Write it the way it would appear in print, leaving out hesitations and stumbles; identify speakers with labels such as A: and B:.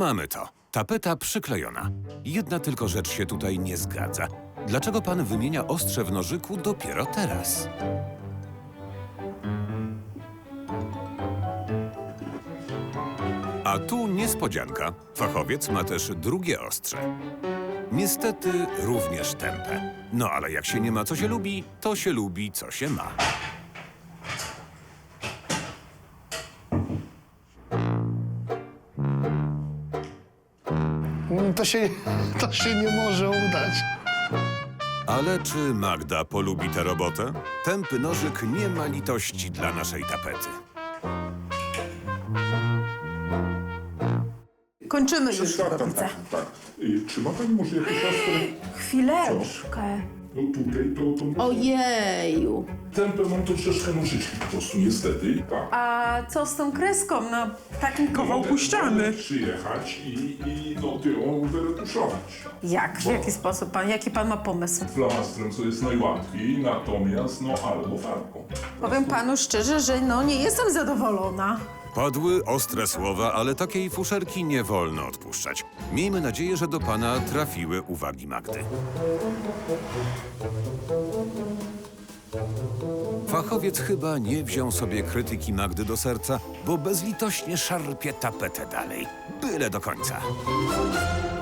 A: Mamy to. Tapeta przyklejona. Jedna tylko rzecz się tutaj nie zgadza. Dlaczego pan wymienia ostrze w nożyku dopiero teraz? A tu niespodzianka. Fachowiec ma też drugie ostrze. Niestety również tępe. No ale jak się nie ma co się lubi, to się lubi co się ma.
B: To się nie może udać.
A: Ale czy Magda polubi tę robotę? Tępy nożyk nie ma litości dla naszej tapety.
C: Kończymy już,
D: Tak. Czy ma pani może jakieś siostry?
C: Chwileczkę.
D: No tutaj to...
C: Ojeju.
D: Tempę mam troszeczkę nożyczki po prostu, niestety. Tak.
C: A co z tą kreską na takim kawałku ściany?
D: Mogę przyjechać i ją wyretuszować.
C: Jak? W jaki sposób pan? Jaki pan ma pomysł?
D: Flamastrem, co jest najłatwiej, natomiast albo farbką.
C: Powiem panu szczerze, że nie jestem zadowolona.
A: Padły ostre słowa, ale takiej fuszerki nie wolno odpuszczać. Miejmy nadzieję, że do pana trafiły uwagi Magdy. Fachowiec chyba nie wziął sobie krytyki Magdy do serca, bo bezlitośnie szarpie tapetę dalej. Byle do końca.